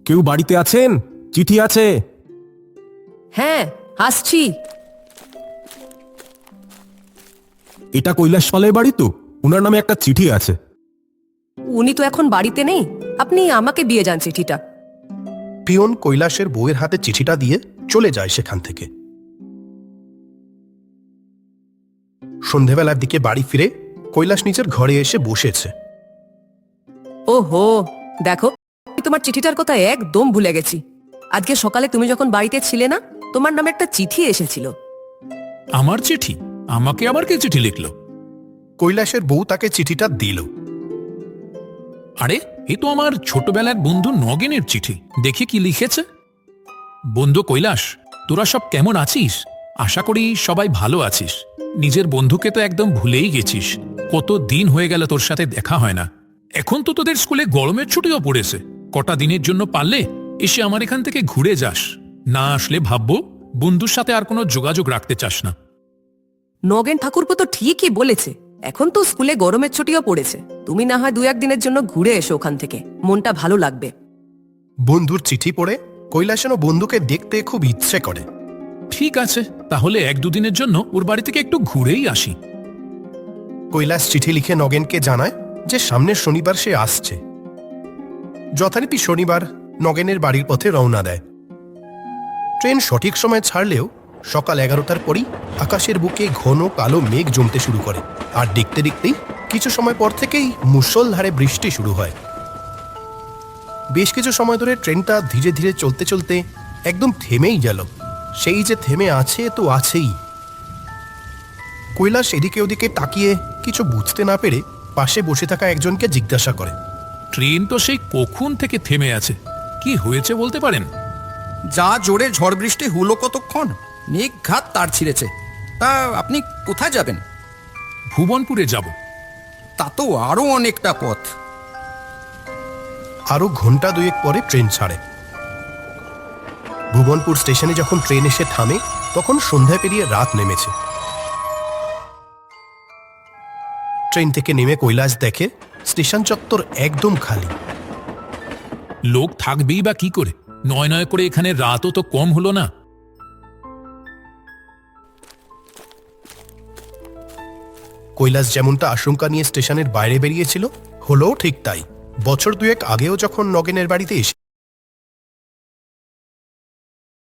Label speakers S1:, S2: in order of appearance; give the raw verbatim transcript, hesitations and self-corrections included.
S1: কেউ বাড়িতে আছেন? চিঠি আছে।
S2: হ্যাঁ, আসছি।
S1: এটা কৈলাস পালের বাড়ি তো? উনার নামে একটা চিঠি আছে।
S2: উনি তো এখন বাড়িতে নেই, আপনি আমাকে দিয়ে যান চিঠিটা।
S3: পিয়ন কৈলাসের বউয়ের হাতে চিঠিটা দিয়ে চলে যায় সেখান থেকে। সন্ধেবেলার দিকে বাড়ি ফিরে কৈলাস নিজের ঘরে এসে বসেছে।
S2: ওহো, দেখো, আমি তোমার চিঠিটার কথা একদম ভুলে গেছি। আজকে সকালে তুমি যখন বাড়িতে ছিলে না, তোমার নামে একটা চিঠি এসেছিল।
S4: আমার চিঠি? আমাকে আবার কে চিঠি লিখলো?
S3: কৈলাসের বউ তাকে চিঠিটা দিল।
S4: আরে, এ তো আমার ছোটবেলার বন্ধু নগেনের চিঠি। দেখি কি লিখেছে। বন্ধু কৈলাস, তোরা সব কেমন আছিস? আশা করি সবাই ভালো আছিস। নিজের বন্ধুকে তো একদম ভুলেই গেছিস। কত দিন হয়ে গেল তোর সাথে দেখা হয় না। এখন তো তোদের স্কুলে গরমের ছুটিও পড়েছে। কটা দিনের জন্য পারলে এসে আমার এখান থেকে ঘুরে যাস। না আসলে ভাববো বন্ধুর সাথে আর কোনো যোগাযোগ রাখতে চাস না।
S2: নগেন ঠাকুরপো তো ঠিকই বলেছে, এখন তো স্কুলে গরমের ছুটিও পড়েছে। তুমি না হয় দু একদিনের জন্য ঘুরে এসো ওখান থেকে, মনটা ভালো লাগবে।
S3: বন্ধুর চিঠি পড়ে কৈলাসেরও বন্ধুকে দেখতে খুব ইচ্ছে করে।
S4: ঠিক আছে, তাহলে এক দুদিনের জন্য ওর বাড়ি থেকে একটু ঘুরেই আসি।
S3: কৈলাস চিঠি লিখে নগেনকে জানায় যে সামনের শনিবার সে আসছে। যথারীতি শনিবার নগেনের বাড়ির পথে রওনা দেয়। ট্রেন সঠিক সময় ছাড়লেও সকাল এগারোটার পরই আকাশের বুকে ঘন কালো মেঘ জমতে শুরু করে, আর দেখতে দেখতেই কিছু সময় পর থেকেই মুষলধারে বৃষ্টি শুরু হয়। বেশ কিছু সময় ধরে ট্রেনটা ধীরে ধীরে চলতে চলতে একদম থেমেই গেল। সেই যে থেমে আছে তো আছেই। কৈলাস এদিকে ওদিকে তাকিয়ে কিছু বুঝতে না পেরে পাশে বসে থাকা একজনকে জিজ্ঞাসা করে,
S4: ট্রেন তো সেই কখন থেকে থেমে আছে, কি হয়েছে বলতে পারেন?
S5: যা জোরে ঝড় বৃষ্টি হলো কতক্ষণ, নিঘাত তার ছিঁড়েছে। তা আপনি কোথায় যাবেন?
S4: ভুবনপুরে যাব।
S5: তা তো আরো অনেকটা পথ।
S3: আরো ঘন্টা দুয়েক পরে ট্রেন ছাড়ে। ভুবনপুর স্টেশনে যখন ট্রেন এসে থামে তখন সন্ধ্যা পেরিয়ে রাত নেমেছে। ট্রেন থেকে নেমে কৈলাস দেখে স্টেশন চত্বর একদম খালি।
S4: লোক থাকবেই বা কি করে? নয় নয় করে এখানে রাতও তো কম হলো না।
S3: কৈলাস যেমনটা আশঙ্কা নিয়ে স্টেশনের বাইরে বেরিয়েছিল, হলো ঠিক তাই। বছর দুয়েক আগেও যখন নগেনের বাড়িতে এসে